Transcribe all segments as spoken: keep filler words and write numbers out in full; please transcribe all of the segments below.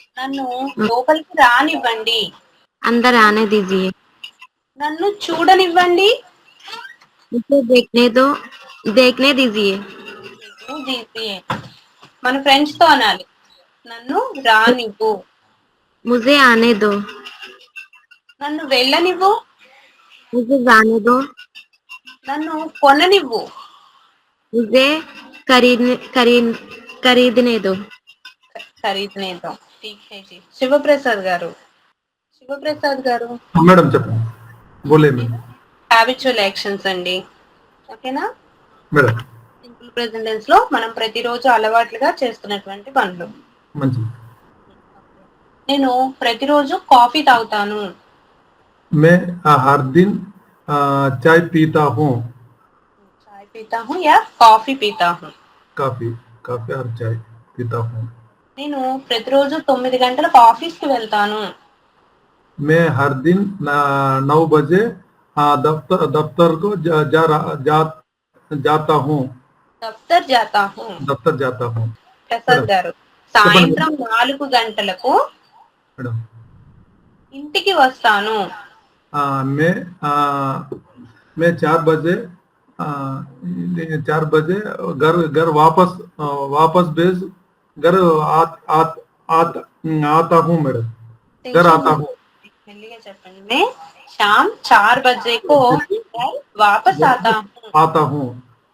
నన్ను లోపలికి రానివ్వండి. अंदर आने दीजिए. నన్ను చూడనివ్వండి. मुझे देखने दो. देखने दीजिए. దీజియే. మన ఫ్రెండ్స్ తో అనాలి. నన్ను రానివ్వు. मुझे आने दो. నన్ను వెళ్ళనివ్వు. मुझे जाने दो. నన్ను కొననివ్వు. मुझे खरीदने खरीद खरीदने दो. ఖరీదనే దో. ठीक है जी. శివప్రసాద్ గారు శివప్రసాద్ గారు మేడం చెప్పండి. బోలే మేడం. హ్యాబిచువల్ యాక్షన్స్ అండి. ఓకేనా మేడం. సింపుల్ ప్రెజెంట్ టెన్స్ లో మనం ప్రతిరోజు అలవాట్లుగా చేస్తున్నటువంటి పనులు. మంచిది. నేను ప్రతిరోజు కాఫీ తాగుతాను. मैं हर दिन चाय पीता हूँ. चाय पीता हूँ या కాఫీ पीता हूँ. కాఫీ కాఫీ और चाय पीता हूँ. నేను ప్రతిరోజు తొమ్మిది గంటలకు ఆఫీస్ కి వెళ్తాను. मैं हर दिन नौ बजे दफ्तर दफ्तर को जा, जा, जा, जाता हूँ. దఫ్తర్ జాతా హూ. दफ्तर जाता हूँ. ప్రసాద్ గారు సాయంత్రం నాలుగు గంటలకు మేడం ఇంటికి వస్తాను. मैं मैं चार बजे चार बजे घर घर वापस वापस भेज घर आ, आ, आ, आता हूँ मैडम. घर आता हूँ. మెల్లిగా చెప్పండి. మే शाम चार बजे को घर वापस आता हूँ. आता हूँ.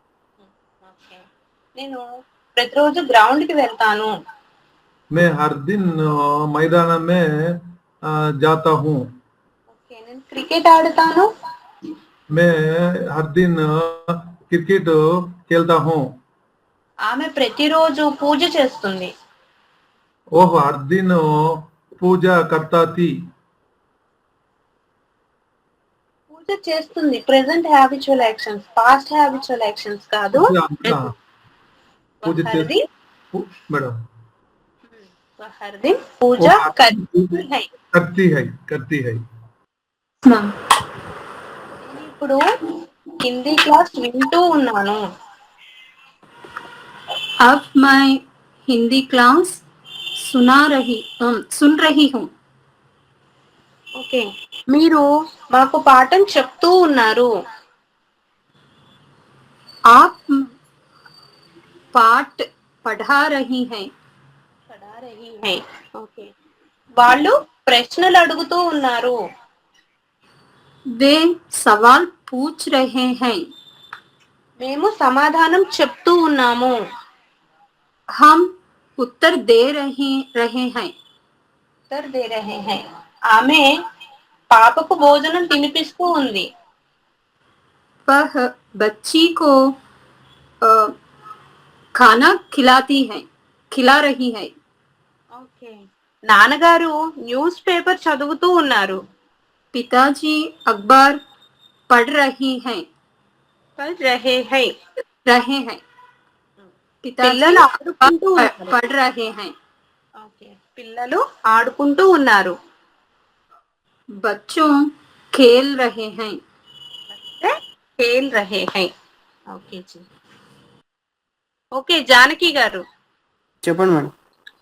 నేను ప్రతిరోజు గ్రౌండ్ కి వెళ్తాను. मैं हर दिन मैदान में जाता हूँ. ఓకే నేను క్రికెట్ ఆడతాను. मैं हर दिन क्रिकेट खेलता हूँ. ఆమె ప్రతిరోజు పూజ చేస్తుంది. वो हर दिन पूजा करता थी. పూజ చేస్తుంది. Present habitual actions, past habitual actions కాదు. పూజ చేస్తుంది మేడం. हर दिन पूजा करती है. करती है करती है. ఇప్పుడు హిందీ క్లాస్ వింటూ ఉన్నాను. अब मैं हिंदी क्लास सुना रही सुन रही हूँ. ఓకే మీరు మాకు పాఠం చెప్తూ ఉన్నారు. आप पाठ पढ़ा रही हैं. पढ़ा रही हैं. ఓకే వాళ్ళు ప్రశ్నలు అడుగుతూ ఉన్నారు. वे सवाल पूछ रहे हैं. మేము సమాధానం చెప్తూ ఉన్నాము. हम उत्तर दे रहे रहे हैं. उत्तर दे रहे हैं. ఆమె పాపకు భోజనం తినిపిస్తూ ఉంది. वह बच्ची को आ, खाना खिलाती है खिला रही है. ఓకే నాన్నగారు న్యూస్ పేపర్ చదువుతూ ఉన్నారు. पिताजी अखबार पढ़ रही हैं. पढ़ रहे हैं. रहे हैं. పిల్లలు ఆడుకుంటూ ఉన్నారు. पढ़ रहे हैं. ఓకే పిల్లలు ఆడుకుంటూ ఉన్నారు. बच्चों खेल रहे हैं. खेल रहे हैं. Okay G. ఓకే జానకి గారు చెప్పండి మేడం.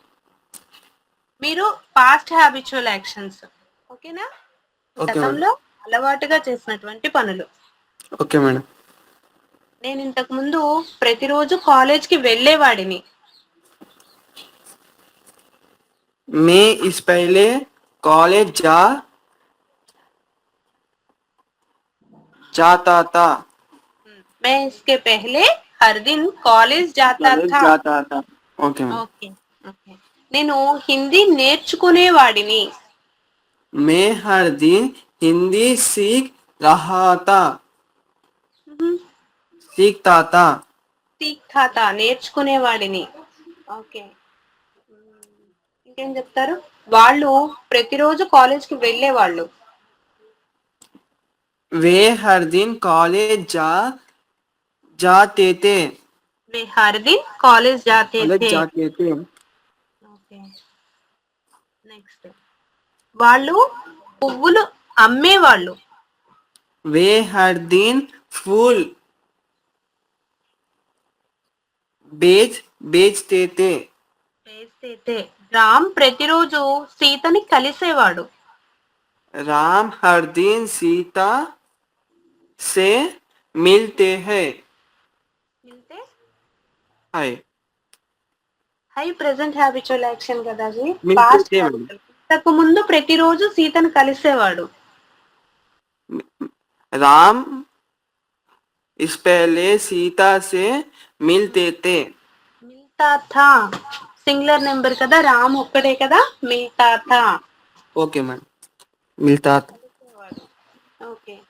మీరు పాస్ట్ హ్యాబిచువల్ యాక్షన్స్ ఓకేనా, గతంలో అలవాటుగా చేసినటువంటి పనులు. Okay madam. నేను ఇంతకు ముందు ప్రతిరోజు కాలేజ్ కి వెళ్ళేవాడిని. मैं इस पहले कॉलेज जा जाता था. मैं इसके पहले हर दिन कॉलेज जाता था. जाता था. Okay madam. ఓకే ఓకే నేను హిందీ నేర్చుకునేవాడిని. मैं हर दिन हिंदी सीख रहा था. सीखता था. सीखता था నేర్చుకునేవాడిని. ఓకే ఇంకేం చెప్తారు? వాళ్ళు ప్రతిరోజు కాలేజ్ కి వెళ్ళేవాళ్ళు. वे हर दिन कॉलेज जा जाते थे. वे हर दिन कॉलेज जाते थे. जाते थे. ఓకే నెక్స్ట్ వాళ్ళు పువ్వులు అమ్మేవాళ్ళు. वे हर दिन फूल बेच बेचते थे. వేస్తేతే రామ్ ప్రతిరోజు సీతని కలిసేవాడు. राम हर दिन सीता से मिलते हैं మిల్తే है హై ప్రెసెంట్ హ్యాబిచువల్ యాక్షన్ కదా అది. మిల్తే పాస్ట్ తే మేడం. ఇంతకు ముందు ప్రతిరోజు సీతను కలిసేవాడు. राम इस पहले सीता से मिलते थे మిల్తా థా సింగులర్ నెంబర్ కదా, రామ్ ఒక్కడే కదా, మిల్తా థా. ओके मैम मिलता था ఓకే